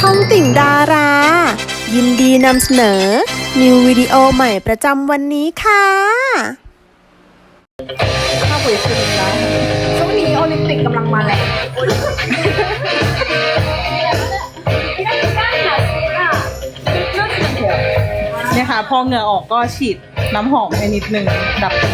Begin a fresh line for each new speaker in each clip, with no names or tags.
องติ่งดารา ยินดีนำเสนอ นิววิดีโอใหม่ประจำวันนี้ค่ะ
하고 있습니다. 소니 올림픽กำลังมาแหละ
เนี่ยค่ะพอเหงื่อออกก็ฉีดน้ำหอมให้นิดนึงดับกลิ่น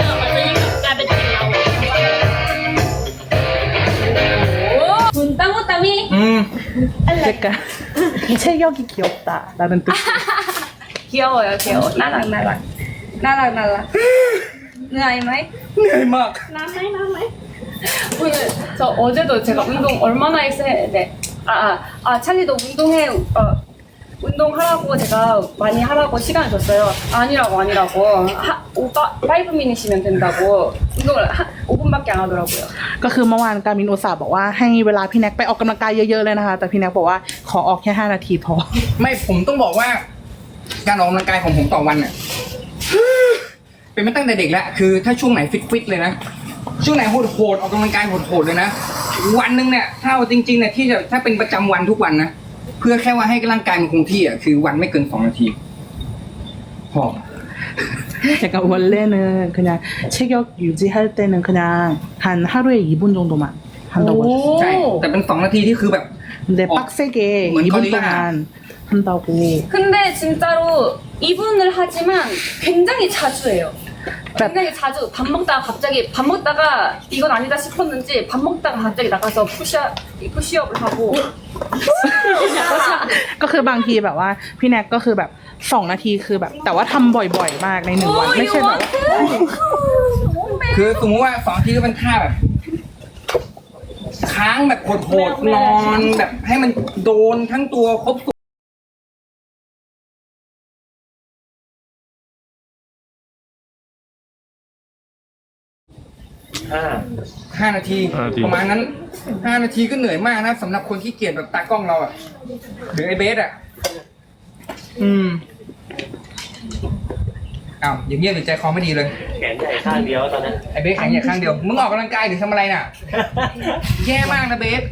땅땅이
그러니까 체격이 귀엽다라는 뜻.
귀여워요 귀여워 나락 나락 나락 나락 เหนื่อยไหม
เหนื่อยมาก
나ไหม오늘 저 어제도 제가 운동 얼마나 했는데 찰리도 운동해 운동하라고 제가 많이 하라고 시간을 줬어요. 아니라고. 오빠 5미니시면 된다고 운동을 5분밖에 안 하더라고요.
ก็คือเมื่อวานการมินอุตส่าห์บอกว่าให้เวลาพี่แน็กไปออกกำลังกายเยอะๆเลยนะคะแต่พี่แน็กบอกว่าขอออกแค่5 นาทีพอ
ไม่ผมต้องบอกว่า การออกกำลังกายของผมต่อวันเนี่ยเป็นมาตั้งแต่เด็กแล้วคือถ้าช่วงไหนฟิตเลยนะช่วงไหนโหดออกกำลังกายโหดเลยนะวันหนึงเนี่ยถ้าเอาจริงๆเนี่ยที่จะถ้าเป็นประจำวันทุกวันนะเพื่อแค่ว่าให้ร่างกายมันคงที่อ่ะคือวันไม่เกิน2 นาทีพอ
약간 원래는 그냥 체격 유지할 때는 그냥 한 하루에 2분 정도만 한다고 하셨어요.
ใช่แต่เป็น2 นาทีที่คือแบบ
근데 빡세게
뭔
2분
거리가.
동안 한다고.
근데 진짜로 2분을 하지만 굉장히 자주 해요. 굉장히 자주 밥 먹다가 갑자기 밥 먹다가 이건 아니다 싶었는지 밥 먹다가 갑자기 나가서 푸시업을 하고
ก็คือบางทีแบบว่าพี่แน็กก็คือแบบ2 นาทีคือแบบแต่ว่าทำบ่อยๆมากใน1 วันไม่ใช่แบบว่า
คือสมมติว่า2 นาทีก็เป็นท่าแบบค้างแบบโหดๆนอนแบบให้มันโดนทั้งตัวครบ5 นาทีประมาณนั้น5 นาทีก็เหนื่อยมากนะสำหรับคนที่เกียจแบบตากล้องเราอ่ะหรือไอเบสอ่ะอ้าวอย่างเงี้ยหรือใจคอไม่ดีเลย
แขนใหญ่ข้างเดียวตอนนั้น
ไอเบสแข็งอย่างข้างเดียวมึงออกกำลังกายหรือทำอะไรน่ะ แย่มากนะเบส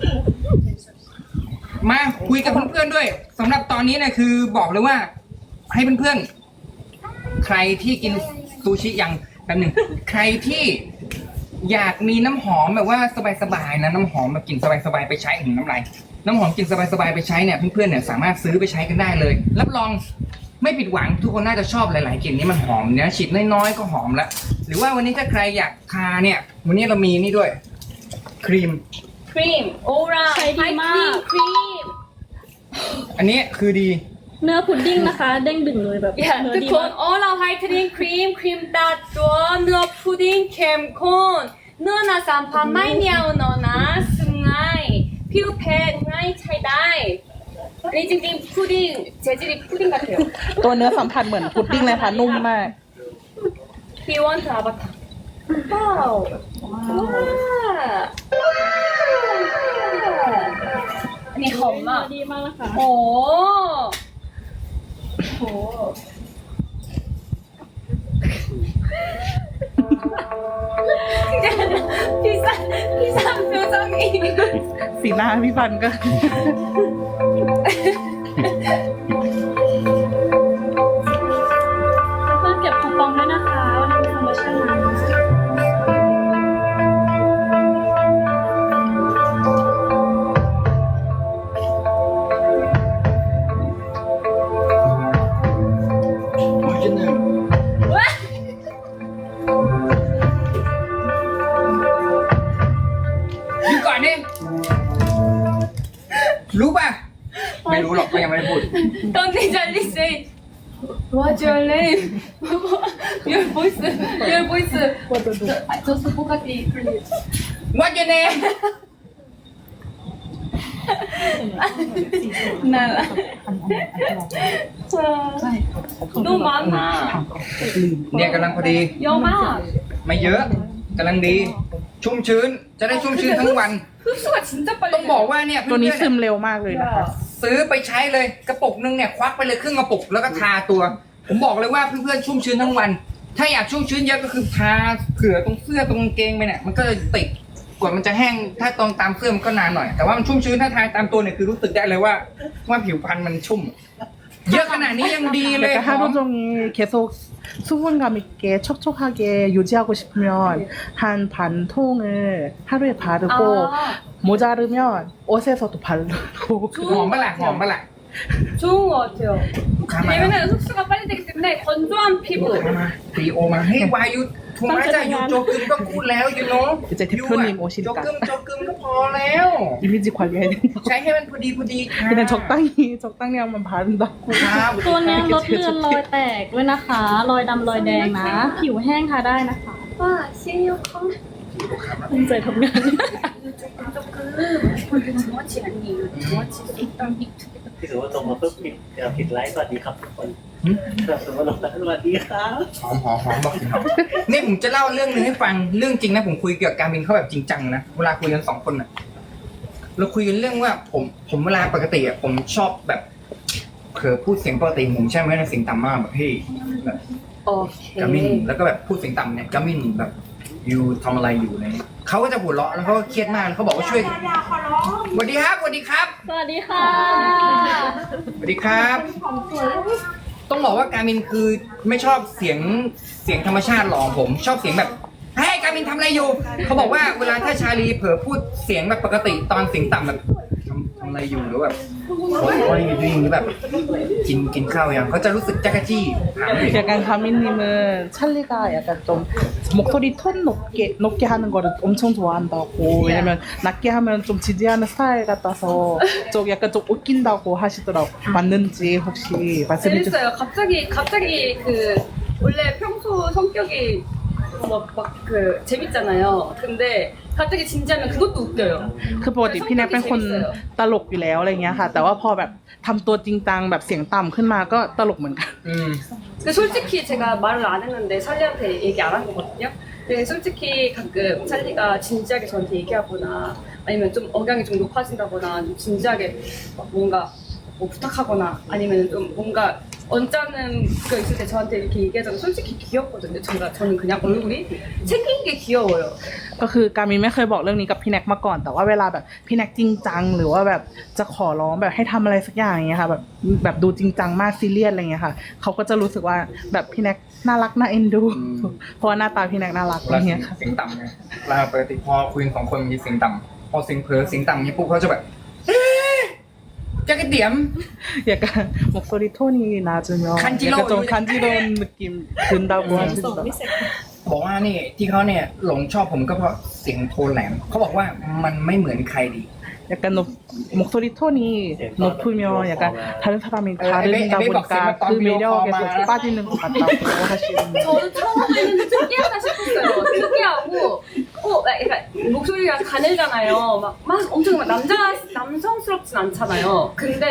มาคุยกับเพื่อนๆด้วยสำหรับตอนนี้เนี่ยคือบอกเลยว่า ให้เพื่อนๆใครที่กินซูชิอย่างแบบหนึ่งใครที่อยากมีน้ำหอมแบบว่าสบายๆนะน้ำหอมแบบกลิ่นสบายๆไปใช้น้ำลายน้ำหอมกลิ่นสบายๆไปใช้เนี่ยเพื่อนๆเนี่ยสามารถซื้อไปใช้กันได้เลยรับรองไม่ผิดหวังทุกคนน่าจะชอบหลายๆกลิ่นนี้มันหอมเนี่ยฉีดน้อยๆก็หอมแล้วหรือว่าวันนี้ถ้าใครอยากทาเนี่ยวันนี้เรามีนี่ด้วยครีม
크림 오라 하이크림 크림
อันนี้คือดี
เนื้อพุดดิ้งนะคะ เด้งดึงเลยแบบ
야
เนื้อดีมาก
두콘 오라 하이크림 크림 따뜻한 너 푸딩 캠콘 너나 산파 마이니아오 너나 승아이 피부팩 나이 차이다이 아니 찡찡 푸딩 재질이 푸딩 같아요
ตัวเนื้อสัมผัสเหมือนพุดดิ้งเลยค่ะนุ่มมาก
비원트 아바타 와우 아니
เนื้อ
험마
ดีมากนะคะ
오 비싼 표정이
สีหน้าพี่ฟันก็
เพื่อนเก็บคูปองด้วยนะคะวันนี้มีโปรโมชั่นมา
อยู่ก่อนนี่รู้ป่ะไม่รู้หรอกก็ยังไม่ได้พูด
Don't be jealous. What's your name? Your voice. Just Bugatti, please.
What your name
나라. 너무 많아.
เนี่ยกำลังพอดี
영아.
ไม่เยอะกำลังดี ชุ่มชื้นจะได้ชุ่มชื้นทั้งวัน
흡수가 진짜 빨리.
ต้องบอกว่าเนี่ย
ตัวนี้
เพื่
ซึ
อน
มเร็วมากเลยนะคะ
ๆซื้อไปใช้เลยกระปุกนึงเนี่ยควักไปเลยครึ่งกระปุกแล้วก็ทาตัว ผมบอกเลยว่าเพื่อนๆชุ่มชื้นทั้งวัน ถ้าอยากชุ่มชื้นเยอะก็คือทาเผื่อตรงเสื้อตรงกางเกงไปเนี่ยมันก็จะติดกว่ามันจะแห้งถ้าตรงตามเสื้อมันก็นานหน่อย แต่ว่ามันชุ่มชื้นถ้าทาตามตัวเนี่ยคือรู้สึกได้เลยว่าผิวพรรณมันชุ่ม เยอะขนาดนี้ยังดีเลย
약간 하루 종일 계속 수분감 있게 촉촉하게 유지하고 싶으면 한 반 통을 하루에 바르고 모자르면 옷에서도 바르고
หอมปะล่ะหอมปะล่ะ
좋은 것 같아요.
가만요.
왜냐면 흡수가 빨리 되기 때문에 건조한 피부.
มาปีโอมาเฮ้ยวายุถูกไหมจ้ะอยู่โจกึมก็พูดแล้วยูโน่
이제 대표님
โจ
오시니까
กึมก็พอแล้ว
이미지 관리해야 된다고
ใช้ให้มันพอดีค่ะ
그냥 적당히만 바른다고
ครับ
ตัวเนี้ยลดเลือนรอยแตกด้วยนะคะ รอยดำรอยแดงนะ ผิวแห้งทาได้นะคะ
와, 시니어컴.
ภูมิใจทำงาน
정확치 아니에요. 정확치 일단 빅.
ที่ถือว่าตรงมาปุ๊บผิดไลฟ์สวัสดีครับทุกคนสมมติลงสวัสดีครับ
หอมบอกหอมนี่ผมจะเล่าเรื่องนึงให้ฟังเรื่องจริงนะผมคุยเกี่ยวกับการบินเขาแบบจริงจังนะเวลาคุยกัน2 คนน่ะเราคุยกันเรื่องว่าผมเวลาปกติอ่ะผมชอบแบบเผลอพูดเสียงปกติผมใช่ไหมนะเสียงต่ำมากแบบเฮ้ยแบบ กามิน
오케이.
แล้วก็แบบพูดเสียงต่ำเนี่ยกามินแบบยูทำอะไรอยู่อะไรเนี่ยเขาก็จะหัวเราะแล้วเขาก็เครียดมากแล้วเขาบอกว่าช่วยสวัสดีครับสวัสดีครับ
สวัสดีค่ะ
สวัสดีครับ ต้องบอกว่าการมินคือไม่ชอบเสียงธรรมชาติหรอกผมชอบเสียงแบบเฮ้ยการมินทำอะไรอยู่เขาบอกว่าเวลาถ้าชาลีเผลอพูดเสียงแบบปกติตอนเสียงต่ำแบบทำอะไรอยู่หรือแบบโอ้ยอยู่ดีหรือแบบกินข้าวยังเขาจะรู้สึกจักรจี้ถามเลย
약간 가미님은 찰리가 약간 좀 목소리 톤 높게 하는 거를 엄청 좋아한다고 왜냐면 낮게 하면 좀 지지하는 스타일 같아서 좀 약간 좀 웃긴다고 하시더라고 맞는지 혹시 말씀해 주세요.
재밌어요. 갑자기 그 원래 평소 성격이 그 재밌잖아요. 근데 갑자기 진지하면 그것도 웃겨요.
คือปกติพี่แน็กเป็นคนตลกอยู่แล้วอะไรเงี้ยค่ะ แต่ว่าพอแบบทำตัวจริงจังแบบเสียงต่ำขึ้นมาก็ตลกเหมือนกัน
อืม
근데 솔직히 제가 말을 안 했는데 찰리한테 얘기 안 한 거거든요. 근데 솔직히 가끔 찰리가 진지하게 저한테 얘기하거나 아니면 좀 억양이 좀 높아진다거나 좀 진지하게 뭔가 뭐 부탁하거나 아니면 좀 뭔가 언짢은 거 있을 때 저한테 이렇게 얘기하자면 솔직히 귀엽거든요. 저는 그냥 얼굴이 생긴 게 귀여워요.
ก็คือการมินไม่เคยบอกเรื่องนี้กับพี่แน็กมาก่อน แต่ว่าเวลาแบบพี่แน็กจริงจังหรือว่าแบบจะขอร้องแบบให้ทำอะไรสักอย่างอย่างเงี้ยค่ะแบบดูจริงจังมากซีเรียสอะไรเงี้ยค่ะเขาก็จะรู้สึกว่าแบบพี่แน็กน่ารักน่าเอ็นดูเพราะว่าหน้าตาพี่แน็กน่ารักอะไร
แล้ว
เงี้ยค่ะ
เสียงต่ำไงเวลาปกติพอคุยกัน2 คนมีเสียงต่ำพอเสียงเผลอเสียงต่ำเนี่ยปุ๊บเขาจะแบบเอ๊ะจะกระเดี่ยม
약간 목소리 톤이 낮으면
간지러워.
약간 좀 간지러운 느낌 든다고 하시더라고요.
บอกว่านี่ที่เขาเนี่ยหลงชอบผมก็เพราะเสียงโทนแหลมเขาบอกว่ามันไม่เหมือนใครดี
약간 목소리 톤이 높으면 약간 다른 사람이 다르다 보니까 그 매력에 좀 빠지는 것 같다고 하시는
저는 처음에는 특이하다 싶었어요. 특이하고, 약간 목소리가 가늘잖아요. 막 엄청 막 남성스럽진 않잖아요. 근데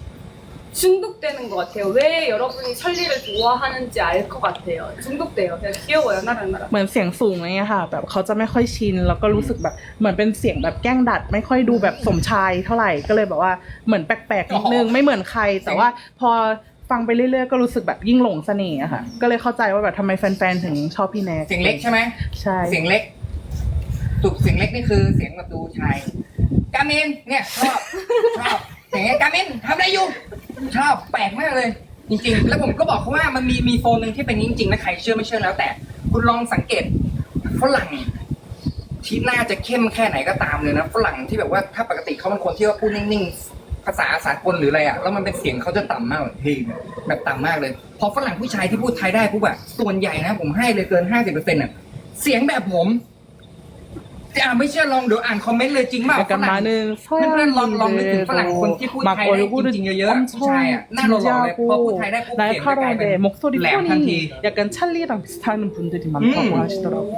중독되는 것 같아요. 왜 여러분이 찰리를 좋아하는지 알 것 같아요. 중독돼요. 그냥 귀여워요, 나랑.
เหมือนเสียงสูงอะไรเงี้ยค่ะแบบเขาจะไม่ค่อยชินแล้วก็รู้สึกแบบเหมือนเป็นเสียงแบบแกล้งดัด ไม่ค่อยดูแบบสมชายเท่าไหร่ก็เลยแบบว่าเหมือนแปลกๆนิดนึงไม่เหมือนใคร แต่ว่าพอฟังไปเรื่อยๆก็รู้สึกแบบยิ่งหลงเสน่ห์อะค่ะก็เลยเข้าใจว่าแบบทำไมแฟนๆถึงชอบพี่แน็ก
เสียงเล็กใช่ไหม
ใช่
เสียงเล็กตุกเสียงเล็กนี่คือเสียงแบบดูชายกามินเนี่ยชอบเสียงกามินทำอะไรอยู่ชอบแปลกมากเลย จริงๆ แล้วผมก็บอกเขาว่ามันมีโฟนหนึ่งที่เป็นจริงๆนะใครเชื่อไม่เชื่อแล้วแต่คุณลองสังเกตฝรั่งที่น่าจะเข้มแค่ไหนก็ตามเลยนะฝรั่งที่แบบว่าถ้าปกติเขาเป็นคนที่ว่าพูดนิ่งๆภาษาสากลหรืออะไรอ่ะแล้วมันเป็นเสียงเขาจะต่ำมากเลยเฮ้ยแบบต่ำมากเลยพอฝรั่งผู้ชายที่พูดไทยได้ปุ๊บอะส่วนใหญ่นะผมให้เลยเกิน 50%อ่ะเสียงแบบผมไม่เชื่อลองเดี๋ยวอ่านคอมเมนต์เลยจริงเปล่า
약간 많은
เพื่อนๆลองนึกถึงฝรั่งคนที่พูด
막
ไทยได้จ
얼굴은
ริงๆเยอะๆผู้ชายอ่ะหน้าหล่อๆเลยพอพูดไทยได้ปุ๊บเสียงจะกลายเป็น
날카로운데 목소리
แหลมทันที
톤이 약간 찰리랑 비슷한 분들이 많다고 하시더라고요.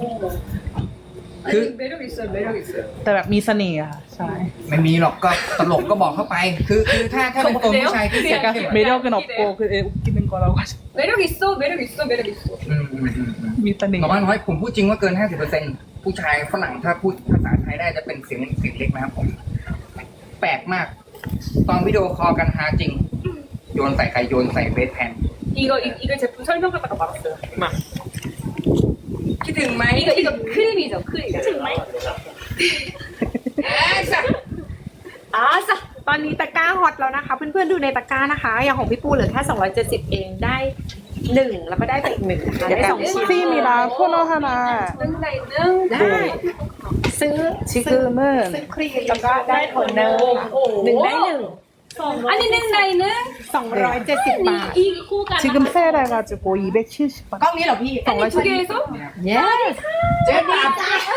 그
매력 있어요, 매력 있어요.
แต่แบบมีเสน่ห์อะค่ะใช่
ไม่มีหรอกก็ตลกก็บอกเข้าไป คือถ้าเป็นตัวผู้ชายที่เสียง
약간
เข้ม
매력은 없고 그 웃기는 거라고 하셨.
매력 있어, 매력 있어, 매력 있어.
มีเสน่ห์
น้อยผมพูดจริงว่าเกิน 50%ผู้ชายฝรั่งถ้าพูดภาษาไทยได้จะเป็นเสียงเล็กนะครับผม แปลกมาก ตอนวิดีโอคอลกันฮาจริง โยนใส่ใครโยนใส่เบสแพน
이거 제품 설명하다가 말았어요.
คิดถึงไหม
이거 크림이죠, 크림. 아싸
ตอนนี้ตะกร้าฮอตแล้วนะคะ เพื่อนๆดูในตะกร้านะคะ อย่างของพี่ปูเหลือแค่270เองได้1แล้วก็ได้ไปอีก1นะคะได้2ชิ้น
팁입니다. 토너 하나.
능다이능
ได้ซื้อ
지금은
ครีมแล้วก็ได้โทนเนอร์หนึ่งได้หนึ่ง
아니 능다이능
270 บาท
이คู่กัน
지금 세일해가지고 270원.
กล้องนี้เหรอพี่
아니 두 개에서
เย้
เจ๊ตัด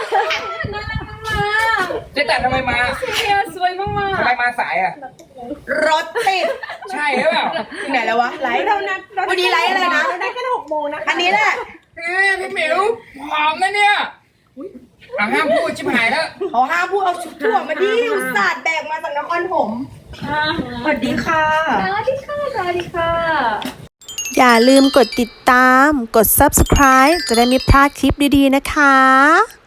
나랑마
เจ๊ตัดทำไมมา
야 수고이
ทำไม
멍마
มาสายอ่ะ
รถติด
ใช่หรือเปล่า
ไหนแล้ววะไลฟ์วันนี้ไลฟ์อะไรนะได้แค่6 โมงนะคะอันนี้แหละ
พี่หมิวหอมนะเนี่ยห้ามพูดชิบหายแล้ว
เขาห้ามพูดเอาชุดถั่วมาดิอุตส่าห์แบกมาจากนครถมสวัสดีค่ะ
나리카
อย่าลืมกดติดตาม กด subscribe จะได้ไม่พลาดคลิปดีๆนะคะ